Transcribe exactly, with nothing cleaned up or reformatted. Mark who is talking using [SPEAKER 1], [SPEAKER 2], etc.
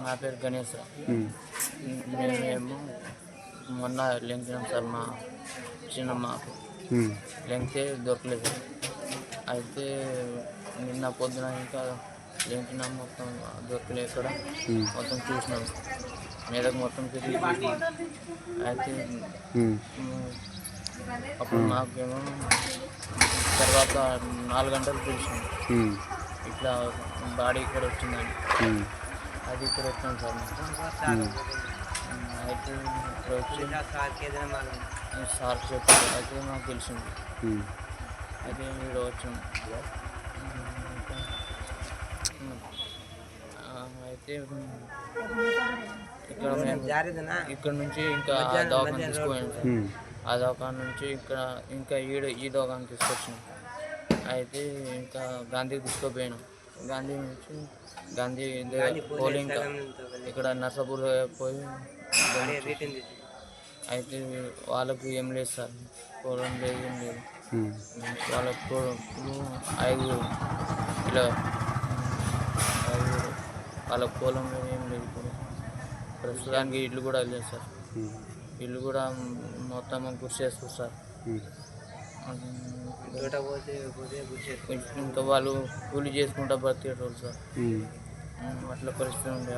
[SPEAKER 1] నా పేరు గణేష్ సార్.
[SPEAKER 2] ఉమ్.
[SPEAKER 1] మేమేమో మొన్న లెంకినాం సార్ మా చిన్నమ్మకు.
[SPEAKER 2] ఉమ్.
[SPEAKER 1] లెంకితే దొరకలేదు. అయితే నిన్న పొద్దున ఇంకా లెంకినాం, మొత్తం దొరకలేదు. ఇక్కడ
[SPEAKER 2] ఉమ్.
[SPEAKER 1] మొత్తం చూసినాం, మీదకు మొత్తం తిరిగి చూసినాం. అయితే
[SPEAKER 2] ఉమ్.
[SPEAKER 1] ఉమ్, అప్పుడు మాకేమో తర్వాత నాలుగు గంటలు తెలిసింది
[SPEAKER 2] ఉమ్.
[SPEAKER 1] ఇట్లా బాడీ ఇక్కడ వచ్చిందని.
[SPEAKER 2] ఉమ్.
[SPEAKER 1] అది ఇక్కడ వచ్చాను సార్ మాకు.
[SPEAKER 2] ఉమ్.
[SPEAKER 1] అయితే ఇక్కడ వచ్చి సార్ చెప్పారు. అయితే మాకు తెలిసింది.
[SPEAKER 2] ఉమ్.
[SPEAKER 1] అయితే ఇక్కడ వచ్చాం. ఆ, అయితే ఇక్కడ మేము ఇక్కడ నుంచి ఇంకా ఆ దవాఖాన తీసుకుపోయాం సార్.
[SPEAKER 2] ఉమ్.
[SPEAKER 1] ఆ దవాఖాన నుంచి ఇక్కడ ఇంకా ఈడ ఈ దవాఖాన తీసుకొచ్చినాం. అయితే ఇంకా గాంధీకి తీసుకుపోయాను. గాంధీ నుంచి గాంధీ పోలి ఇంకా ఇక్కడ నర్సాపూర్ పోయి అయితే వాళ్ళకు ఏం లేదు సార్, పొలం లేదు, ఏం లేదు.
[SPEAKER 2] ఉమ్.
[SPEAKER 1] వాళ్ళకు ఐదుగురు ఇలా ఐదుగురు వాళ్ళ పొలం లేదు, ఏం లేదు. ఇప్పుడు ప్రస్తుతానికి ఇల్లు కూడా లేదు సార్.
[SPEAKER 2] ఉమ్.
[SPEAKER 1] ఇల్లు కూడా మొత్తం కృషి చేస్తారు సార్.
[SPEAKER 2] ఉమ్.
[SPEAKER 1] ఇంకా వాళ్ళు కూలి చేసుకుంటా బ్రతికేటోళ్ళు సార్.
[SPEAKER 2] ఉమ్.
[SPEAKER 1] అట్లా పరిస్థితి ఉండే.